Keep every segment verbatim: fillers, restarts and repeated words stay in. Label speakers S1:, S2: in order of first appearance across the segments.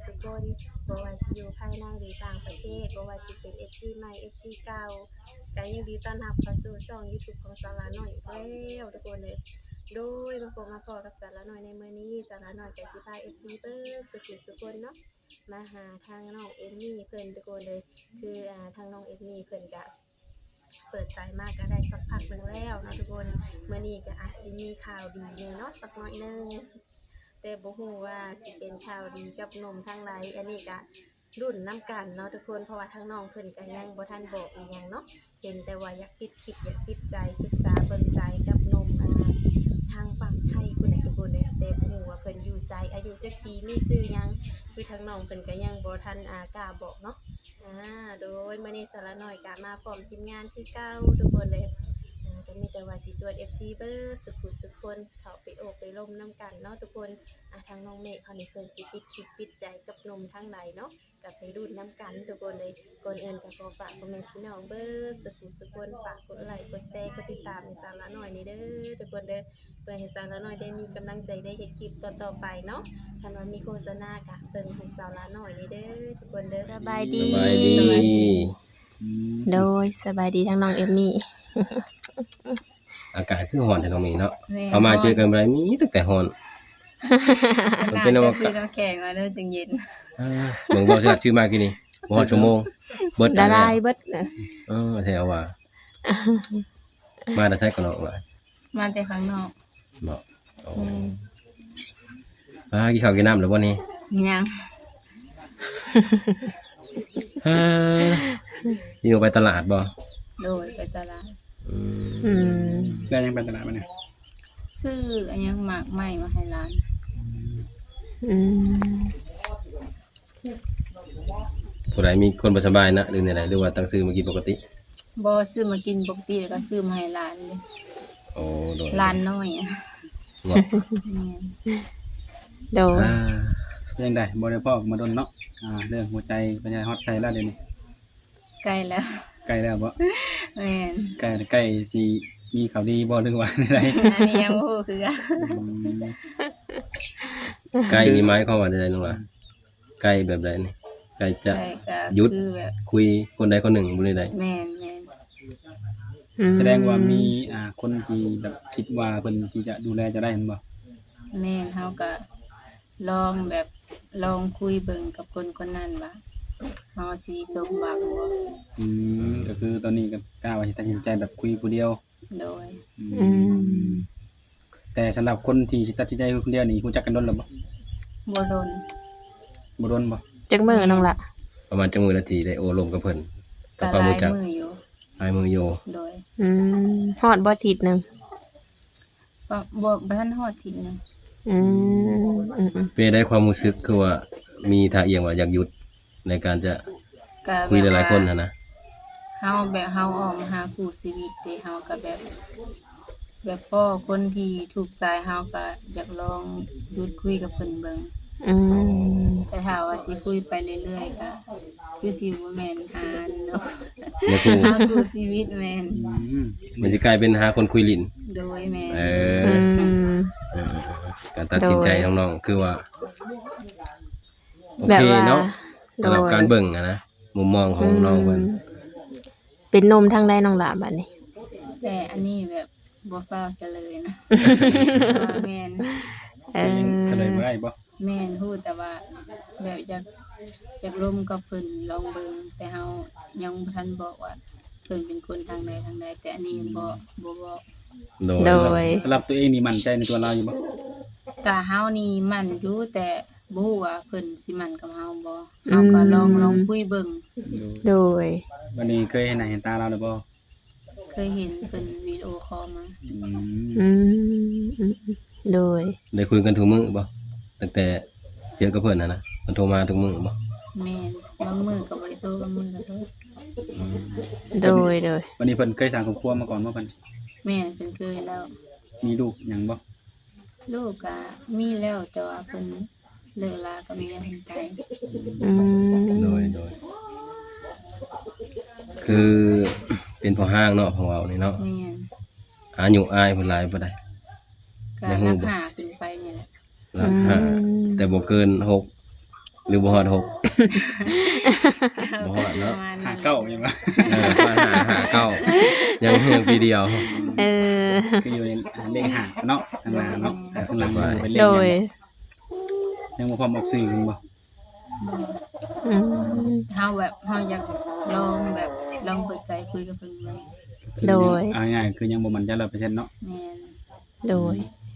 S1: สุคนบ่ว่าสิอยู่ภายในหรือต่างประเทศบ่ว่าสิเป็น เอฟ ซี ใหม่ เอฟ ซี เก่าก็ยินดีต้อนรับเข้าสู่ช่อง YouTube ของสาวละน้อยอีกแล้วทุกคนเลยโดยมาพบมาพอกับสาวละน้อยในมื้อนี้สาวละน้อยก็สิพา เอฟ ซี เบิดสุขุสุคนเนาะมาหาทางน้องเอมมี่เพิ่นทุกคนเลยคืออ่าทางน้องเอมมี่เพิ่นก็เปิดใจมากก็ได้สักพักหนึงแล้วเนาะทุกคนมื้อนี้ก็อาจสิมีข่าวดีแน่เนาะสักหน่อยหนึงแต่บ่ฮู้ว่าสิเป็นข่าวดีกับหนุ่มทางใดอันนี้ก็รุ่นน้ำกันเนาะทุกคนเพราะว่าทางน้องเพิ่นก็ยังบ่ทันบอกอีหยังเนาะเห็นแต่ว่าอยากปิดคลิปอยากปิดใจศึกษาเบิ่งใจกับหนุ่มอ่าทางฝั่งไทยพุ่นน่ะทุกคนเลยแต่บ่ฮู้ว่าเพิ่นอยู่ไสอายุจักปีมีชื่อหยังคือทางน้องเพิ่นก็ยังบ่ทันอ่ากล้าบอกเนาะอ่าโดยมื้อนี้สาระน้อยก็มาพร้อมทีมงานคือเก่าทุกคนเลยอ่าก็มีแต่ว่าสิชวน เอฟ ซี เบิดสุขุสุขคนเข้าไปโอบไปร่มน้ำกันเนาะทุกคนอ่าทางน้องเมฆเขานี่เพิ่นสิปิดคลิปปิดใจกับหนุ่มทางใดเนาะก็ไปรุ่นน้ำกันทุกคนเลยก่อนอื่นก็ขอฝากพ่อแม่พี่น้องเบิดสุขุสุขคนฝากกดไลค์กดแชร์กดติดตามให้สาระน้อยนี่เด้อทุกคนเด้อเพื่อให้สาระน้อยได้มีกำลังใจได้เฮ็ดคลิปต่อๆไปเนาะคันว่ามีโฆษณาก็เบิ่งให้สาระน้อยนี่เด้อทุกคนเด้อสบายดี
S2: สบายดี
S1: โดยสบายดีทั้งน้องเอมมี่
S2: อากาศคือร้อนแต่น้องมีเนาะ
S3: แม่
S2: เอามาเจอกันบ่ได้มีตั้งแต่ร้อน มันเป็นอว
S3: ก็คื
S2: กา
S3: อ
S2: ศ
S3: น้ำแข็งมาเด้อจึงเย็น
S2: อ่าเบิ่งบ่สิรักชื่อมากี่นี่บ่ฮอดชั่วโมงเบิด
S1: ละ
S2: แล้ว
S1: ลายเบิดนะ
S2: เออแถวว่า มาแต่ใช้กันเนาะว่า
S3: มาแต่ข้างนอก
S2: เนาะโอ้อ่ากินข้าวกินน้ำแล้วบ่นี่
S3: ยัง
S2: ฮ่าอยู่ไปตลาดบ่
S3: โดยไปตลาด
S2: อืม
S1: อืม
S4: ได้ยังไปตลาดมาเนี่ย
S3: ซื้ออันยังหมากไหม้มาให้ร้าน
S1: อืม
S2: ผู้ใดมีคนบ่สบายนะหรือไหนๆหรือว่าตั้งซื้อมากินปกติ
S3: บ่ซื้อมากินปกติแล้วก็ซื้อมาให้ร้านเลย
S2: โอ้โดย
S3: ร้านน้อยอ่ะ
S2: เนาะ
S3: แม่น
S1: โดย
S2: อ่า
S4: เรื่องใดบ่ได้พ่อมาดนเนาะอ่าเรื่องหัวใจปัญญาฮอตใจแล้วเดี๋ยวนี้
S3: ใกล้แล้ว
S4: ใกล้แล้วบ่
S3: แม่น
S4: ใกล้ใกล้สิมีข่าวดีบ่หรือว่าอะไร
S3: อันนี้ยังบ่ฮู้คือกัน
S2: ไกลนี่หมายความว่าใดๆน้องล่ะไกลแบบใดนี่ไกลจะ
S3: ใช่ก็
S2: หยุด
S3: คือแบบ
S2: คุยคนใดคนหนึ่งบ่ได้ใด
S3: แม่นแม่น
S1: อืม
S4: แสดงว่ามีอ่าคนที่แบบคิดว่าเพิ่นที่จะดูแลจะได้เห็นบ่
S3: แม่นเฮาก็ลองแบบลองคุยเบิ่งกับคนคนนั้นว่าเฮาสิสมหวังบ่
S4: อืมก็คือตอนนี้ก็กล้าว่าสิตัดสินใจแบบคุยผู้เดียว
S3: โดย
S4: อื
S1: อื
S4: ม
S1: ม
S4: แต่สำหรับคนที่สิตัดสินใจคุยคนเดียวนี่รู้จักกันดนแล้วบ่
S3: บ่โดน
S4: บ่ดนบ่
S1: จักมือน้องละ
S2: ประมาณจังมือนาทีได้โอ้ลมกับเพิ่นกับ
S3: ก็
S2: ความ
S3: หลา
S2: รู้
S3: ย
S2: จัก
S3: มืออยู่
S2: ลายมือโย
S3: โดย
S1: อืมฮอดบ่ทิศหนึง
S3: บ่บ่บ่ทันฮอดทีหนึง
S1: อืมอืมอืม
S2: เปได้ความรู้สึกคือว่ามีท่าเอียงว่าอยากหยุดในการจะ
S3: ก็
S2: คุยหลายๆคนนะนะ
S3: เฮาแบบเฮาออกมาหาคู่ชีวิตเด้เฮาก็แบบ แบบพ่อคนที่ถูกใจเฮาก็อยากลองหยุดคุยกับเพิ่นเบิ่ง
S1: อืม
S3: แต่ถ้าว่าสิคุยไปเรื่อยๆก็คือสิบ่แม่นหาเนาะ
S2: บ่คู่
S3: หาคู่ชีวิตแม่น
S4: อืม
S2: มันจะกลายเป็นหาคนคุยลิ้น
S3: โดยแม่น
S2: เออ
S1: อืม
S2: เออการตัดสินใจน้องๆคือว่าโอ
S1: แบบ
S2: เค
S1: ว่า
S2: เนาะสำหรับ
S1: โดย
S2: การเบิ่งอะนะมุมมองของน้องเพิ่น
S1: เป็นนมทางใดน้องละบัดนี้
S3: แต่อันนี้แบบบ่ฟ้าวซะเลยนะว่าแม่น
S1: เอ
S4: จะยัง
S1: อ
S4: เสลยบ่ได้บ่
S3: แม่นฮู้แต่ว่าแบบอยากอยากร่วมกับเพิ่นลองเบิ่งแต่เฮายังบ่ทันบอกว่าเพิ่นเป็นคนทางใดทางใดแต่อันนี้บ่บ่บอก
S2: โดย
S1: โดย
S4: สำหรับตัวเองนี่มั่นใจในตัวเราอยู่บ่
S3: กะเฮานี่มั่นอยู่แต่บ่ฮู้ว่าเพิ่นสิมั่นกับเฮาบ่เฮาก็ลองลองคุยเบิ่ง
S1: โดย
S4: วันนี้เคยเห็นหน้าเห็นตาเราแล้วบ่
S3: เคยเห็นเพิ่นวิดีโอคอลมา
S4: อืม
S1: อืมอืมโดย
S2: ได้คุยกันทุกมื้อบ่ตั้งแต่เจอกับเพิ่นน่ะนะมันโทรมาทุกมื้อบ่
S3: แม่นบางมื้อก็บ่ได้โทรบางมื้อก็โทร
S1: โดยโดย
S4: วันนี้เพิ่นเคยสร้างครอบครัวมาก่อนบ่เพิ่น
S3: แม่นเพิ่นเคยแล้ว
S4: มีลูกหยังบ่
S3: ลูกก็มีแล้วแต่ว่าเพิ่นเลิกลากับเมียเพิ่นไป
S1: อืม
S2: โดยโดยคือเป็นพ่อห้างเนาะของเรานี่เนาะ
S3: แม่น
S2: อายุอายเพิ่นหลายบ่ได้
S3: ก็
S2: ได้ฮู้
S3: รัก
S2: บ่
S3: หาขึ้นไปนี่แหละ
S2: หลักห้าแต่บ่เกินหกหรือบ่ฮอดหก บ่ฮอดเนาะ
S3: ประมาณ
S4: หา
S3: นั้น
S4: เก้าอย่างว่า
S2: เออประมาณหาหาเก้ายังเพียงปีเดียว
S5: เออ
S4: คืออยู่ในเลขหาเนาะข้างหน้าเนาะแต่ข้างหลังมันเป็นเลข
S5: โด
S4: ห
S5: ย
S4: ยังบ่พร้อมออกสื่อกันบ่
S5: อืม
S3: เฮาแบบเฮาอยากลองแบบลองเปิดใจคุยกับเพิ่นเบิ่ง
S5: โดย
S4: เอาง่ายๆคือยังบ่มั่นใจ ร้อยเปอร์เซ็นต์ เนาะ
S3: แม่น
S5: โดย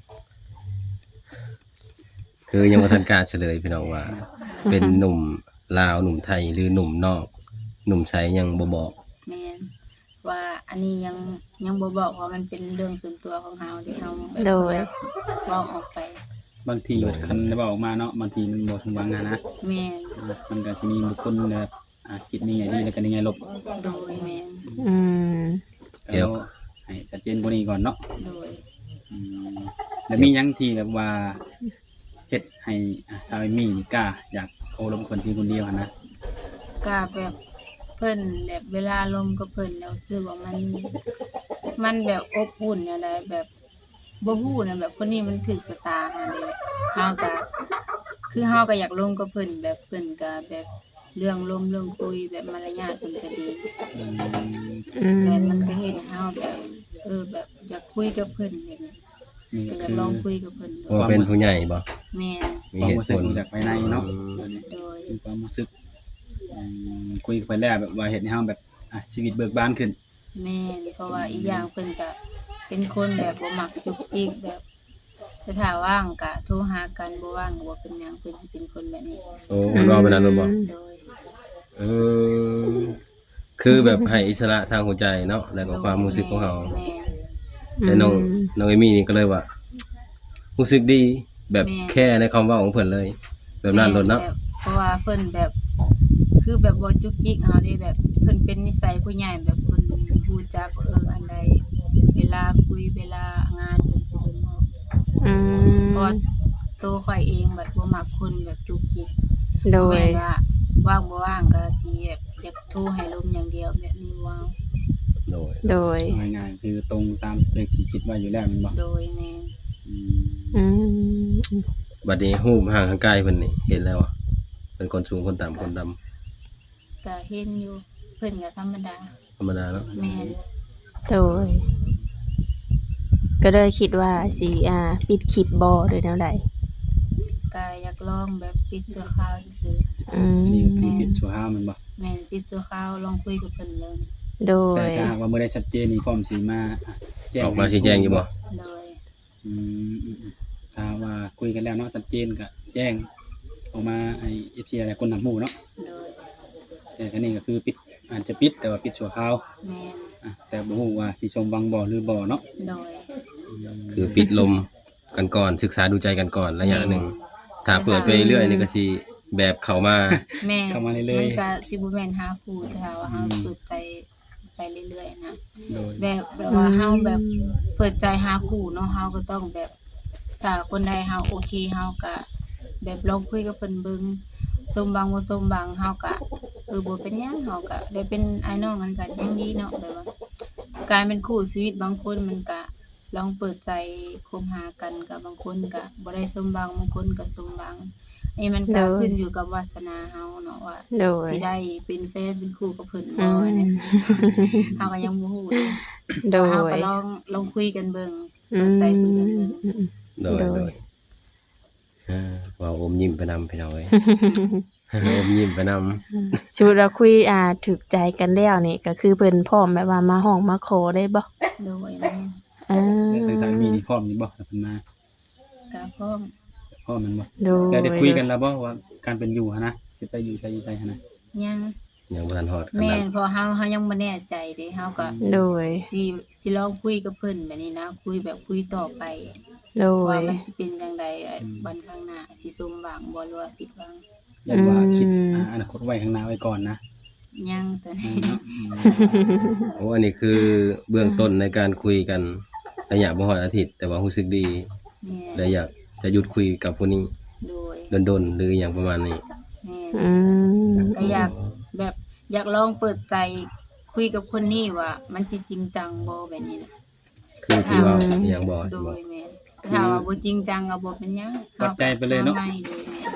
S2: คือยังบ่ทันกล้าเฉลยพี่น้องว่า เป็นหนุ่มลาวหนุ่มไทยหรือหนุ่มนอก หนุ่มไสยังบ่บอก
S3: แม่นว่าอันนี้ยังยังบ่บอกว่ามันเป็นเรื่องส่วนตัวของเฮาที่เฮาแบบ
S5: โดย
S3: เว้าออกไป
S4: บางทีคันได้บอกออกมาเนาะบางทีมันบ่สมหวังอะนะ
S3: แม่น
S4: มันก็สิมีบุคคลแบบอ่าคิดนี่ไงดีแล้วก็นี่ไงลบ
S3: โดยแม่น
S5: อืม
S2: เดี๋ยว
S4: อาให้ชัดเจนกว่านี้ก่อนเนาะ
S3: โดย
S4: อืมแล้วมีหยังที่แบบว่าเฮ็ดให้อ่าชาวเอมี่นี่กล้าอยากโอ้ลมคนเพียงคนเดียวอะนะ
S3: ก็แบบเพิ่นแบบเวลาลมกับเพิ่นแล้วรู้สึกว่ามัน มันแบบอบอุ่นอะไรแบบบ่ฮู้นะแบบคนนี้มันถึกสตาร์มาเลยเฮาก็คือเฮาก็อยากลมกับเพิ่นแบบเพิ่นก็แบบเรื่องลมเรื่องคุยแบบมารยาทเพิ่นก็ดี
S4: อืม
S5: อืม
S3: แบบมันก็เฮ็ดให้เฮาแบบเออแบบอยากคุยกับเพิ่นแบบนี้
S4: นี่
S3: ก็
S4: ก็
S3: อยาก
S4: คือ
S3: ลองคุยกับเพิ่นดู
S2: ว่าเป็นผู้ใหญ่บ่
S3: แม่น
S2: มี
S4: ความ
S2: เหตุ
S4: รู้สึ
S2: ผ
S4: ก
S2: ล
S4: จากภายในเนาะ
S3: โดย
S4: เป็นความรู้สึกอืมคุยกันไปแล้วแบบว่าเฮ็ดให้เฮาแบบอ่ะชีวิตเบิกบานขึ้น
S3: แม่นเพราะว่าอีกอย่างเพิ่นก็เป็นคนแบบบ่มักจุกจิกแบบแต่ถ้าว่างก็โทรหากันบ่ว่างก็บ่เป็นหยังเพิ่นสิเป็นคนแบบนี้
S2: โอ้มันว่าไปนั้นเลยบ่
S3: โดย
S2: เออคือแบบให้อิสระทางหัวใจเนาะแล้วก็ความรู้สึกของเรา
S3: แม่น
S2: แต่น้องน้องเอมี่นี่ก็เลยว่ารู้สึกดีแบบแค่ในคำเว่าของเพิ่นเลย แบบนั้นโลดเนาะ
S3: แบบเพราะว่าเพิ่นแบบ คือแบบบ่จุกจิกเฮาเด้แบบเพิ่นเป็นนิสัยผู้ใหญ่แบบเพิ่นรู้จักเอออันใดเวลาคุยเวลางานเพิ่นสิเพิ่นบอก
S5: อืม
S3: เพราะว่าตัวข่อยเองแบบบ่มักคนแบบจุกจิก
S5: โด
S3: บ่
S5: ย
S3: แม่นว่าว่างบ่ว่างก็สิแบบอยากโทรให้ลมอย่างเดียวแบบนี้ว้าว
S2: โดย
S5: โดย
S4: เอาง่ายๆคือตรงตามสเปคที่คิดไว้อยู่แล้วแมันบ่
S3: โดยแม่น
S4: อืม
S5: อืม
S2: บัดนี้รูปห่างข้างใกล้เพิ่นนี่เห็นแล้วอ่ะเป็นคนสูงคนต่ำคนดำ
S3: ก็เห็นอยู่เพิ่นก็ธรรมดา
S2: ธรรมดาเนาะ
S3: แม่น
S5: โดย ก็เลยคิดว่าสิอ่า ปิดคลิปบ่หรือแนวใด
S3: ก็อยากลองแบบปิดเสื้อขาวซื่อ
S5: อืม
S4: นี่ก็คือปิดชั่วคราวแมันบ่
S3: ๆแม่นปิดเสื้อขาวลองคุยกับเพิ่นเลย
S5: โด
S4: แต่
S5: ย
S4: ถ้าหากว่าเมื่อได้ชัดเจนนี่พร้อมสิมาอ่ะแจ้ง
S2: ออกมาชี้แจงอยู่บ่
S3: โดย
S4: อืมอืมอืมถ้าว่าคุยกันแล้วเนาะชัดเจนก็แจ้งออกมาให้ เอฟ ซี หลายคนนำหมู่เนาะ
S3: โดย
S4: แต่ทีนี้ก็คือปิดอาจจะปิดแต่ว่าปิดชั่วคราว
S3: แม่น
S4: อ่ะแต่บ่ฮู้ว่าสิชมวังบ่หรือบ่เนาะ
S3: โดย
S2: คือปิดลมกันก่อนศึกษาดูใจกันก่อนระยะหนึ่งถ้าเปิดไปเรื่อยนี่ก็สิแบบเข้ามา
S3: แม่น
S4: เข้ามาเรื่อยๆ
S3: มันก็สิบ่แม่นหาคู่แต่ถ้าว่าเฮาเปิดใจไปเรื่อยๆนะ
S4: โดย
S3: แบบแบบว่าเฮาแบบเปิดใจหาคู่เนาะเฮาก็ต้องแบบถ้าคนใดเฮาโอเคเฮาก็แบบลองคุยกับเพิ่นเบิ่งสมหวังบ่สมหวังเฮาก็เออบ่เป็นหยังเฮาก็ได้เป็นอ้ายน้องกันก็ยังดีเนาะแบบว่าการเป็นคู่ชีวิตบางคนมันก็ลองเปิดใจคบหากันกับบางคนก็บ่ได้สมหวังบางคนก็สมหวังอันนี้มันก็
S5: โดย
S3: ขึ้นอยู่กับวาสนาเฮาเนาะว่า
S5: โดย
S3: สิได้เป็นแฟนเป็นคู่กับเพิ่น
S5: อื
S3: บ่
S5: ม
S3: อันนี้เฮาก็ยังบ่ฮู้เลย
S5: โด
S3: เฮาก็
S5: ย
S3: ลองลองคุยกันเบิ่ง
S5: อื
S3: เปิดใจคุยกันเบิ่ง
S5: ม
S2: โดย
S5: โดย
S2: โดยอ่าว่าอมยิ้มไปนำพี่น้องเอ้ย อมยิ้มไปนำ
S5: ชุดเราคุยอ่าถึกใจกันแล้วนี่ก็คือเพิ่นพร้อมแบบว่ามาห้องมาขอได้บ่
S3: โดยแม่
S5: อ่า
S4: แต่ทางมีนี่พร้อมนี่บ่ถ้าเพิ่นมา
S3: ก็พร้อม
S4: พร้อมแมันบ่
S5: โดย
S4: แต่ได้คุยกันแล้วบ่ว่าการเป็นอยู่หันนะสิไปอยู่ไสอยู่ไสหันนะ
S3: ยัง
S2: ยังบ่ทันฮอดข
S3: แม่
S2: นาด
S3: นเพอเฮาเฮายังบ่แน่ใจเด้เฮาก็
S5: โดย
S3: สิสิลองคุยกับเพิ่นแบบนี้นะ คุยแบบคุยต่อไป
S5: โด
S3: ว่าย มันสิเป็นจังไดเอ่อวันข้างหน้าสิสมหวังบ่หรือว่าผิดหวัง
S4: อยากว่าคิด
S5: อืม
S4: อ่าอนาคตไว้ข้างหน้าไว้ก่อนนะ
S3: ยังตอนนี้
S4: เนาะ
S2: โอ้อันนี้คือเบื้องต้นในการคุยกันระยะบ่ฮอดอาทิตย์ แต่ว่ารู้สึกดี
S3: แม่
S2: และอยากจะหยุดคุยกับผู้นี้
S3: โดย
S2: ดนๆหรืออย่างประมาณนี้
S3: แม่
S5: อืม
S3: ก็อยากแบบอยากลองเปิดใจคุยกับคนนี้ว่า มันสิจริงจังบ่แบบนี้นะ
S2: คือที่ว่าอหย่างบ่
S3: โด
S2: บ่
S3: ยแม่ถ้าว่าบ่จริงจังก็บ่เป็นหยัง
S4: วัดใจไปเลยเนาะ
S3: ไม่โดยแม่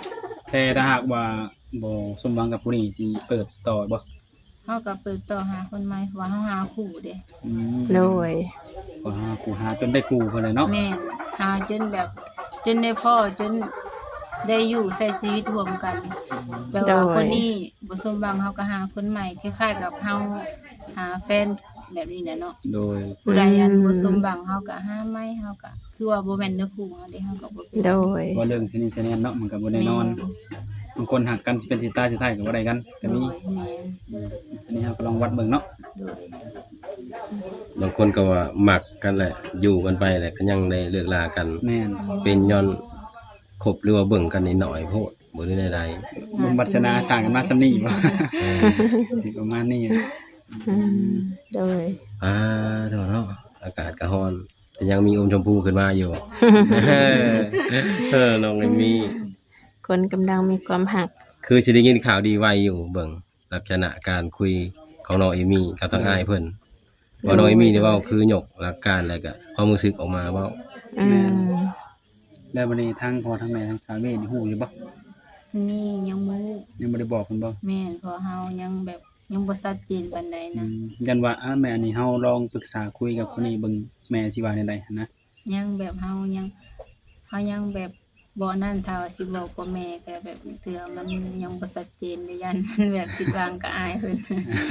S4: แต่ถ้าหากว่าบ่สมหวังกับผู้นี้สิเปิดต่อบ่
S3: เฮาก็เปิดต่อหาคนใหม่เพราะว่าเฮาหาคู่เด้
S4: อืม
S5: โดย
S4: ก็หาคู่หาจนได้คู่เพิ่นเลยเนาะ
S3: แม่นหาจนแบบจนได้พ่อจนได้อยู่ใช้ชีวิตร่วมกันแบบว่าคนนี้บ่สมหวังเฮาก็หาคนใหม่คล้ายๆกับเฮาหาแฟนแบบนี้แหละเนาะ
S4: โดย
S3: ผู้ใดอันบ่สมหวังเฮาก็หาใหม่เฮาก็คือว่าบ่แม่นเนื้อคู่เฮาเด้เฮาก็บ่เป็น
S5: โดย
S4: ว่าเรื่องสินี่สิแน่นเนาะมันก็บ่แน่นอนบางคนหักกันสิเป็นสิตายสิตายก็บ่ได้กันก็
S3: โด
S4: มี
S3: ยแม่น
S4: อันนี้เราก็ลองวัดเบิ่งเนาะ
S3: โดย
S2: บางคนก็ว่าหมักกันแหละอยู่กันไปแหละก็ยังได้เลิกลากัน
S4: แม่น
S2: เป็นย้อนคบหรือว่าเบิ่งกันนิดหน่อยโพดบ่ได้ใด
S4: บุญวัฒนาสร้างกันมาซำนี้บ่สิประมาณนี้
S5: อืมโดย
S2: ๆอ่าเนาะเนาะอากาศก็ร้อน แต่ยังมีอมชมพูขึ้นมาอยู่ เออน้องเอมี่
S5: คนกำลังมีความหัก
S2: คือสิได้ยินข่าวดีไวอยู่เบิ่งลักษณะการคุยของน้องเอมี่กับทางอ้ายเพิ่นว่าน้องเอมี่นี่เว้าคือหยกหลักการแล้วก็ความรู้สึกออกมาเว้า
S5: อืม
S4: แล้วบัดนี้ทางพ่อทางแม่ทางสามีนี่ฮู้อยู่บ่
S3: นี่ยังบ่
S4: ยังบ่ได้บอกเพิ่นบ่
S3: แม่นเพราะเฮายังแบบยังบ่ชัดเจนปานใด
S4: อื
S3: นะ
S4: มยันว่าอ่าแม่อันนี้เฮาลองปรึกษาคุยกับคนนี้เบิ่งแม่สิว่าแนวใดหันนะ
S3: ยังแบบเฮายังเฮายังแบบบ่นั่นถ้าว่าสิบอกกับแม่ก็แบบเทื่อมันยังบ่ชัดเจนเลยยัน มันแบบคิดวางกับอายเพิ่น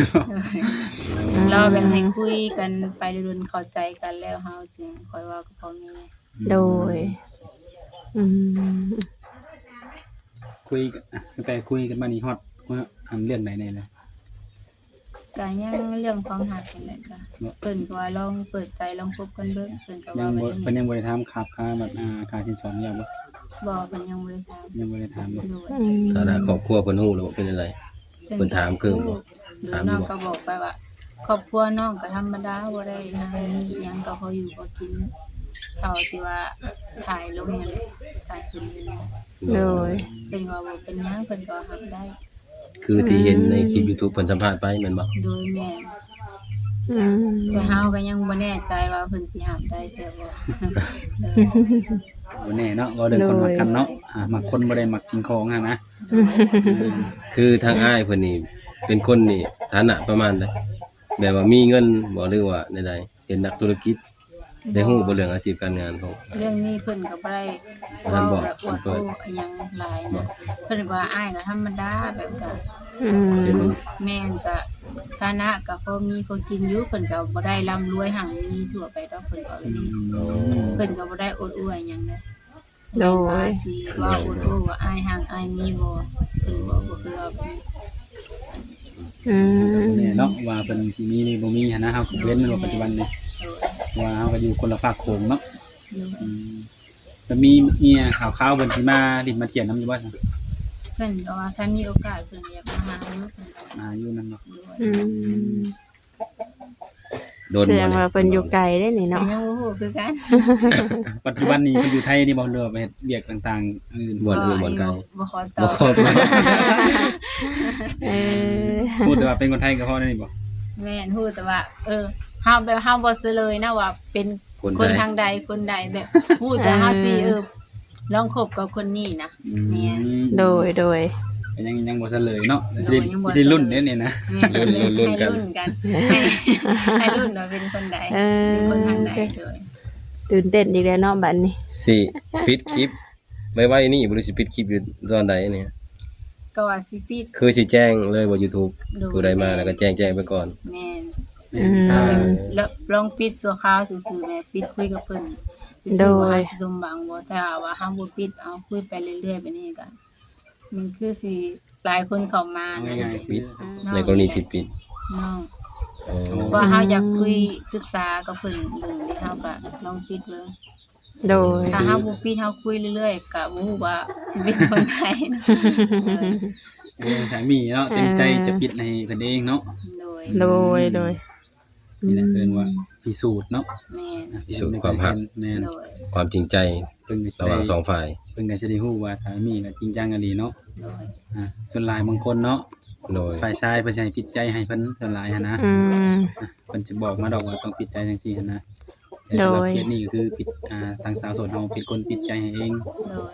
S3: เราแบบให้คุยกันไปเรื่อยๆเข้าใจกันแล้วเฮาจึงค่อยเว้ากับพ่อแม่
S5: โดย อืม
S4: คุยกันอ่ะตั้งแต่คุยกันมานี่ฮอดว่าอันเรื่องใดแน่เลย
S3: ก็ยังเรื่องความรักนี่แหละก็เพิ่นก็ว่าลองเปิดใจลองคบกันเบิ่งเพิ่นก็
S4: ยั
S3: ว่าง
S4: บ่
S3: แบบ
S4: เพิ่น
S3: นี้
S4: ยังบ่ได้ถามครับค่าแบบอ่าค่าสินสอดหยังบ่
S3: บ่เพิ่นยังบ่ได้ถาม
S4: ยังบ่ได้ถามบ่
S3: โดย
S5: อืม
S2: ฐานะครอบครัวเพิ่นฮู้แล้วว่าเป็นอะไร เพิ่นถามคือบ่
S3: หรือ
S2: ถาม
S3: น้อง
S2: บ่
S3: ก็บอกไปว่า ครอบครัวน้องก็ธรรมดาบ่ได้หยังมีหยังก็พออยู่พอกินเท่าที่ว่าถ่ายลงนั่นแหละถ่ายขึ้นนี่
S5: โดย
S3: เพิ่นก็ว่าบ่เป็นหยังเพิ่นก็รับได้
S2: คือที่เห็นในคลิป YouTube เพิ่นสัมภาษณ์ไปแม่นบ่
S3: โดยแม่น
S5: อืม
S3: แต่เฮาก็ยังบ่แน่ใจว่าเพิ่นสิรับได้แต่บ่ เออ
S4: บ่แน่เนาะว่าเรื่องคนมักกันเนาะอ่ามักคนบ่ได้มักสิ่งของอะนะ
S2: คือทางอ้ายเพิ่นนี่เป็นคนนี่ฐานะประมาณใดแบบว่ามีเงินบ่หรือว่าใดๆเป็นนักธุรกิจได้ฮู้บ่เรื่องอาชีพการงานของ
S3: เรื่องนี้เพิ่นก็บ่ได้
S2: ท่า
S3: เว้าน
S2: บอก
S3: แบบอวด
S2: เพิ่
S3: โอ้
S2: น
S3: อิหยังหลายนะเพิ่นก็ว่าอ้ายก็ธรรมดาแบบก็
S5: อืม
S2: เป็น
S3: แม่นก็ฐานะก็พอมีพอกินอยู่เพิ่นก็บ่ได้ร่ำรวยหังมีทั่วไปดอกเพิ่นก็แบบนี้เพิ่นก็บ่ได้อวดอวยหยังนะ
S5: โด
S3: ว่าย สิว่าอวดโอ้ว่าอ้ายหังอ้ายมีบ่เพิ่นบ่บ่คือว่าแบบนี้
S5: อืม
S4: แน่เนาะว่าเพิ่นสิมีหรือบ่มีหันนะเฮาก็เว้นในปัจจุบันนี่ว่าเฮาก็อยู่คนละฝากโขงเนาะอืมแล้วมีเมียข่าวๆเพิ่นสิมาดินมาเที่ยวนำอยู่บ่ซั่น
S3: เพิ่นก็ว่าถ้ามีโอกาสเพิ่นอยากมาหาอยู่เพิ่นก็
S4: มาอยู่นั่นเนาะ
S3: ด้วย
S5: อืม
S2: โดน
S5: แสด
S2: บ่
S5: ง
S2: เนี่ย
S5: ว่าเป็นอยู่ไกลได้นี่
S3: เพิ่น
S5: เนาะ
S3: ยังบ่ฮู้คือกัน
S4: ปัจจุบันนี้เพิ่นอยู่ไทยนี่บ่เรือว่าไปเฮ็ดเวียกต่างๆอื่น
S2: บ่อนอื่นบ่อนไกล
S3: บ่ขอตอ
S2: บ่
S3: บ
S2: ครอบ
S5: เออ
S4: พูดแต่ว่าเป็นคนไทยก็พอได้นี่บ่
S3: แม่นฮู้แต่ว่า เออเฮาแบบเฮาบ่ซื้อเลยนะว่าเป็น
S2: คน
S3: คน
S2: ไทย
S3: ทางใดคนใดแบบฮู้แต่เฮาสิเออลองคบกับคนนี้นะแม่น
S5: โดย โดย
S4: ก็ยังยังบ่เฉลยเนาะสิ
S3: โดยยังบ่
S4: สิรุ่นเด้นี่นะ
S3: แม่นให้รุ่นกันให้ให้รุ่นว่าเป็นคนใด
S5: เออ
S3: เป็นคนทางใดโดย
S5: ตื่นเต้นอีกแล้วเนาะบัดนี้
S2: สิปิดคลิปไว้ไว้นี่บ่รู้สิปิดคลิปอยู่ตอนใดเนี่ย
S3: ก็ว่าสิปิด
S2: คือสิแจ้งเลยว่า YouTube
S3: โดย
S2: ผู้ใดมาแล้วก็แจ้งแจ้งไปก่อน
S3: แม่น
S5: อืม
S2: อ่า
S3: แล้วลองปิดสัวคราวซื่อๆแม่ปิดคุยกับเพิ่น
S5: โด
S3: ซื่อย ว่าสิสมหวังบ่ถ้าว่าเฮาบ่ปิดเอาคุยไปเรื่อยๆแบบนี้ก็มันคือสิหลายคนเข้ามา
S4: เอา
S3: นะ
S4: ง่ายๆ
S2: ปิด
S3: น้อง
S2: ในกรณีที่ปิด
S3: น้อง
S2: อ๋อ
S3: ว่าเฮาอยากคุยศึกษากับเพิ่นเบิ่งที่เฮาก็ลองปิดเบิ่ง
S5: โดย
S3: ถ้าเฮาบ่ปิดเฮาคุยเรื่อยๆก็บ่ฮู้ว่าสิเป็นคนใดนะ
S4: เออสามีเนาะเต็มใจจะปิดให้เพิ่นเองเนาะ
S3: โดย
S5: โดย โดย
S4: นี่แหละเพิ่นว่าพิสูจน์เนาะ
S3: แม่น
S2: พิสูจน์ความรัก
S4: แม่น
S3: โดย
S2: ความจริงใจ
S4: เพิ่นก็สิ
S2: ระห
S4: ได้
S2: ว่างสองฝ่าย
S4: เพิ่นก็สิได้ฮู้ว่าสามีก็จริงจังอะดีเนาะ
S3: โดย
S4: อ่าส่วนหลายบางคนเนาะ
S2: โดย
S4: ฝ่ายชายเพิ่นสิให้ผิดใจให้เพิ่นส่วนหลายหันนะ
S5: อืม
S4: เพิ่นจะบอกมาดอกว่าต้องผิดใจจังซี่หันนะแต่
S5: โดย
S4: สำหรับเคสนี้ก็คือผิดอ่าทางสาวโสดเฮาผิดคนผิดใจให้เอง
S3: โดย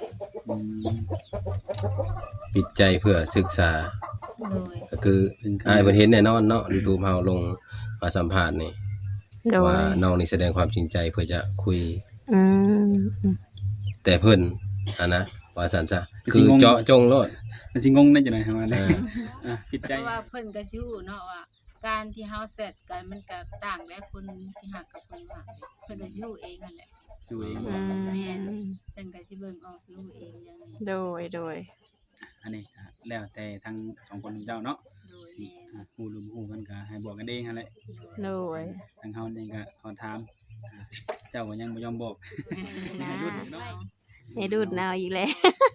S4: อืม
S2: ปิดใจเพื่อศึกษา
S3: โดย
S2: ก็คืออ้ายเพิ่นเห็นแน่นอนเนาะ YouTube เฮาลงมาสัมภาษณ์นี่
S5: โด
S2: ว่าย น้องนี่แสดงความจริงใจเพื่อจะคุย
S5: อืม
S2: แต่เพิ่นอันนะว่าซั่นซะคือเจาะจงโลด
S4: มันสิงงได้จังได๋ครับว่า
S2: เออ
S4: อ่ะปิด
S3: เพ
S4: ใจ
S3: ราะว่าเพิ่นก็สิรู้เนาะว่า การที่เฮาเสร็จกันมันก็ต่างและคนที่ฮักกับคนว่าเพิ่นก็สิรู้เองนั่นแหละ
S4: อยู่เอง
S5: อืม
S3: แม่นเพิ่นก็สิเบิ่งออกสิรู้เองอย่างนี้
S5: โดยโดย
S4: อันนี้ก็แล้วแต่ทั้งสองคนเจ้าเนาะ
S3: โดย
S4: สิ
S3: แม่น
S4: อ่ะฮู้หรือบ่ฮู้กันก็ให้บอกกันเองหั่นแหละ
S5: โดย
S4: ทางเฮานี่ก็ขอถามอ่ะเจ้าก็ยังบ่ยอมบอก
S5: นะ
S4: ให้รุ่นเนาะ
S5: ให้ดูดนาวอีกแล้ว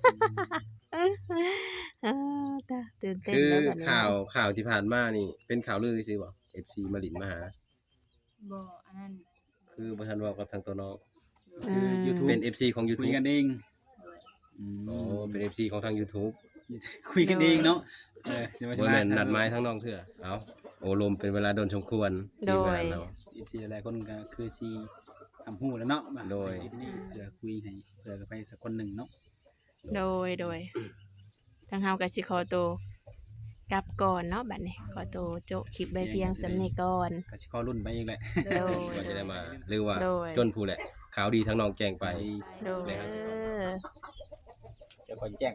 S5: เออตาตื่นเต้น
S2: คือ
S5: แล้วบัดนี้
S2: ข่าวข่าวที่ผ่านมานี่เป็นข่าวลือซื่อบ่ เอฟ ซี มาลินมาหา
S3: บ่อันนั้น
S2: คือบ่ทันเว้ากับทางตัวน้อง
S5: อื
S4: คือ
S5: ม
S4: YouTube
S2: เป็น เอฟ ซี ของ
S4: คุย
S2: YouTube
S4: กันเอง
S3: โดย
S4: อืม
S2: อ๋อเป็น เอฟ ซี ของทาง YouTube
S4: คุยกันเองเนาะเออสิว่า
S2: บ่แม่นนัดหมายทางน้องเทื่อเอ้าโอลมเป็นเวลาโดนสมควรที่งานเรา
S4: เอฟซีหลายๆคนก็คือสิทำฮู้แล้วเนาะว่า
S2: โดย
S4: ไปที่นี่เพื่อคุยให้เพื่อไปสักคนหนึงเนาะ
S5: โดยโดยทางเฮาก็สิขอตัวกลับก่อนเนาะบัดนี้ขอตัวโจะคลิปไว้เพียงสำนี้ก่อน
S4: ก็สิขอรุ่นไปอีกแหละ
S5: โดย
S2: ก็จะได้มาหรือว่า
S5: โดย
S2: จนผู้แหละข่าวดีทั้งน้องแจ้งไป
S5: โดย
S2: เลยครับ
S4: เดี๋ยวขอแจ้ง